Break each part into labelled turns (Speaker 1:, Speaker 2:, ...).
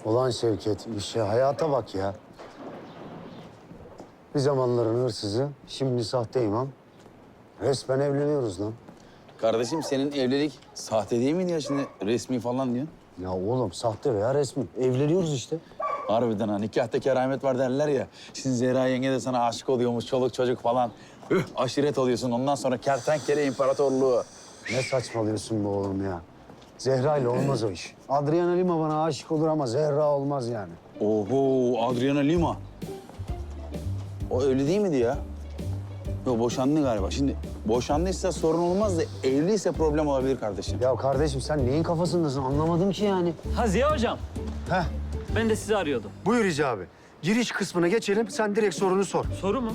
Speaker 1: Ulan Şevket, işe hayata bak ya. Bir zamanların hırsızı, şimdi sahte imam. Resmen evleniyoruz lan.
Speaker 2: Kardeşim senin evlilik sahte değil miydi ya şimdi resmi falan diyorsun?
Speaker 1: Ya oğlum sahte veya resmi. Evleniyoruz işte.
Speaker 2: Harbiden ha nikahta keramet var derler ya. Şimdi Zehra yenge de sana aşık oluyormuş çoluk çocuk falan. Aşiret oluyorsun ondan sonra kertenkele imparatorluğu.
Speaker 1: Ne saçmalıyorsun bu oğlum ya? Zehra ile olmaz o iş. Adriana Lima bana aşık olur ama Zehra olmaz yani.
Speaker 2: Oho Adriana Lima. O evli değil miydi ya? Yok boşandı galiba. Şimdi boşandıysa sorun olmaz da evliyse problem olabilir kardeşim.
Speaker 1: Ya kardeşim sen neyin kafasındasın anlamadım ki yani.
Speaker 3: Ha Ziya hocam,
Speaker 1: Heh,
Speaker 3: ben de sizi arıyordum.
Speaker 1: buyur Hicabi. Giriş kısmına geçelim, sen direkt sorunu sor.
Speaker 3: Soru mu?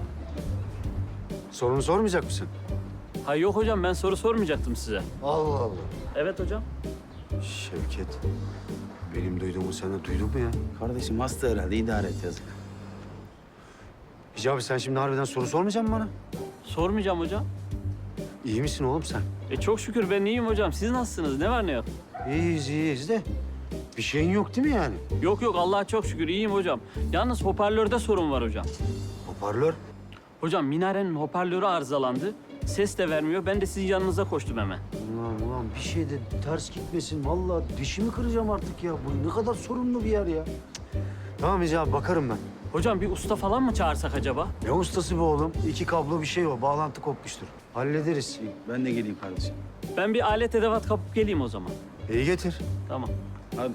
Speaker 1: Sorunu sormayacak mısın?
Speaker 3: Ha yok hocam, ben soru sormayacaktım size.
Speaker 1: Allah Allah.
Speaker 3: Evet hocam.
Speaker 1: Şevket, benim duyduğumu sen de duydun mu ya?
Speaker 2: Kardeşim hasta herhalde idare et yazık.
Speaker 1: Hicabi sen şimdi harbiden soru sormayacak mısın bana?
Speaker 3: Sormayacağım hocam.
Speaker 1: İyi misin oğlum sen?
Speaker 3: Çok şükür ben iyiyim hocam. Siz nasılsınız? Ne var ne yok?
Speaker 1: İyiyiz de. Bir şeyin yok değil mi yani?
Speaker 3: Yok yok, Allah'a çok şükür iyiyim hocam. Yalnız hoparlörde sorun var hocam.
Speaker 1: Hoparlör.
Speaker 3: Hocam minarenin hoparlörü arızalandı. Ses de vermiyor. Ben de sizin yanınıza koştum hemen.
Speaker 1: Ulan bir şey de ters gitmesin. Vallahi dişimi kıracağım artık ya. Bu ne kadar sorunlu bir yer ya. Cık. Tamam Hicabi bakarım ben.
Speaker 3: Hocam bir usta falan mı çağırsak acaba?
Speaker 1: Ne ustası bu oğlum? 2 kablo bir şey o. Bağlantı kopmuştur. Hallederiz.
Speaker 2: Ben de geleyim kardeşim.
Speaker 3: Ben bir alet edevat kapıp geleyim o zaman.
Speaker 1: İyi getir.
Speaker 3: Tamam.
Speaker 2: Hadi.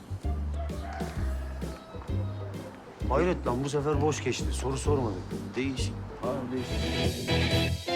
Speaker 1: Hayret lan bu sefer boş geçti. Soru sormadık.
Speaker 2: Değişik. Abi değişik.